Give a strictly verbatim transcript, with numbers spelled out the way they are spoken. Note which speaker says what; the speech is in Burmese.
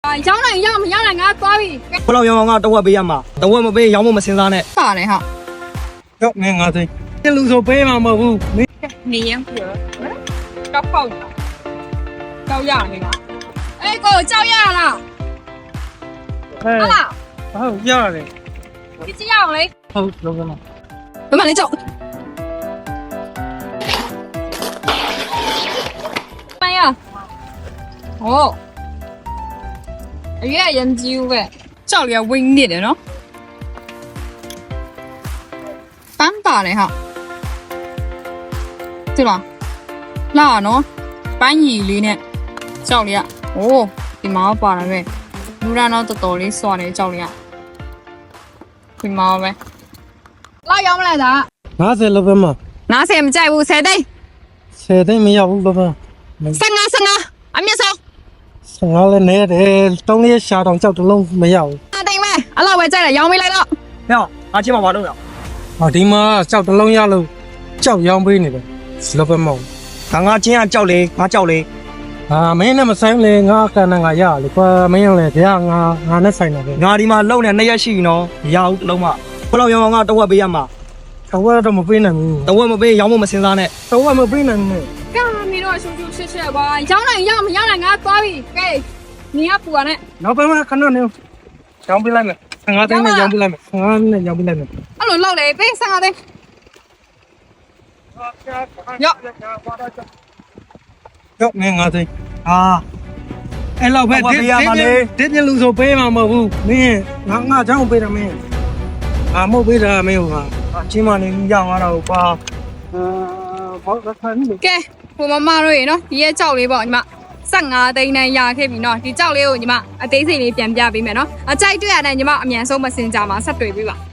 Speaker 1: ရောင်းနိုင်ရမရနိုင်ငါသွားပြီ
Speaker 2: ဘလောက်ရောင်းအောင်ကတဝက်ပေးရမှာတဝက်မပေးရောင်းဖို့မစင်စားနဲ့
Speaker 1: ပါတယ်ဟာ
Speaker 3: ရောမင်းငါသိဒီလူဆိုပေးမှာမဟုတ်ဘူးမင်း
Speaker 1: နေရင်ပြောတော့ပေါက်ကြောက်ရနေလားအေးကိုကြောက်ရလား
Speaker 3: ဟဲ့
Speaker 1: ဟုတ်လား
Speaker 3: ဟုတ်ရတယ်
Speaker 1: ဒီကြည့်ရအောင်လေ
Speaker 3: ဟုတ်လုံးကမ
Speaker 1: ဘယ်မှာလဲကြောက်မရဟောအရွယ်ရမ်းကြီးပဲကြောက်ရဝင်းနေတယ်နော်ပန်းပါတယ်ဟာဒီလားလာနော်ပန်းကြီးလေးနဲ့ကြောက်လေးอ่ะโอ้ဒီမှာပါလာပဲလူရတော့တော်တော်လေးစွာနေကြောက်လေးอ่ะဒီမှာပဲလာရောင်းမလားဒါ
Speaker 3: ငါးဆယ်လောက်ပဲမှာ
Speaker 1: နားဆယ်မကြိုက်ဘူးဆယ်သိန်း
Speaker 3: ဆယ်သိန်းမရဘူးဘာဘာ
Speaker 1: ဆယ်ငါဆယ်ငါအမြင့်ဆုံး
Speaker 3: ဆယ်ငါလည်းနေတယ်တောင်းလေးရှာတောင်ကြောက်တလုံးမရဘူး
Speaker 1: အတိမ်မဲအဲ့လောက်ပဲကြိုက်တယ်ရောင်းပေးလိုက်တော့
Speaker 2: ဟဲ့ငါချင်းမှာဘာလုပ်ရအောင်
Speaker 3: ဟောဒီမှာကြောက်တလုံးရလို့ကြောက်ရောင်းပေးနေတယ်လောက်ပဲမဟုတ်
Speaker 2: ငါငါချင်းကကြောက်လေငါကြောက်လေ
Speaker 3: အာမင်းနဲ့မဆိုင်လေငါကနငါရလေကွာမင်းလည်းတရားငါငါနဲ့ဆိုင်တယ်ပဲ
Speaker 2: ငါဒီမှာလုံနေနှစ်ရက်ရှိပြီနော်မရဘူးတလုံးမဘလောက်ရောင်းအောင်ကတဝက်ပေးရမှာ
Speaker 3: တော့တော့မပေးနိုင်ဘူး
Speaker 2: တဝက်မပေးရောင်းဖို့မစင်စားနဲ့
Speaker 3: တော့မပေးနိုင်ဘူး
Speaker 1: ကဲမင်းတို့ရှူရှူရှက်ရှက်ပါရောင်းနိုင်ရမရနိုင်ငါသွားပြီကဲနေရပူရနဲ့
Speaker 3: နောက်ပဲခဏနေရောင်းပေးလိုက်မယ်ငါသိန်းနဲ့ရောင်းပေးလိုက်မယ်ငါနဲ့ရောင်းပေးလိုက်မယ်
Speaker 1: အဲ့လိုလောက်လေပေးဆယ်ငါသိန်းရော့
Speaker 3: ရောမင်းငါသိအာအဲ့လောက်ပဲဒီဒီဒီလူဆိုပေးမှာမဟုတ်ဘူးမင်းငါငါချောင်းပေးတယ်မင်းအာမဟုတ်ပေးတာမင်းဟာအချင်းမနေရအောင်ရတော့ပါအာဘောကခန်းနေ
Speaker 1: ကဲဟိုမမတို့ရေနော်ဒီရဲ့ကြောက်လေးပေါ့ညီမဆယ်ငါသိန်းနဲ့ရခဲ့ပြီနော်ဒီကြောက်လေးကိုညီမအသေးစိတ်လေးပြန်ပြပေးမယ်နော်အကြိုက်တွေ့ရတဲ့ညီမအမြန်ဆုံးမစင်ကြမှာဆက်တွေ့ပေးပါ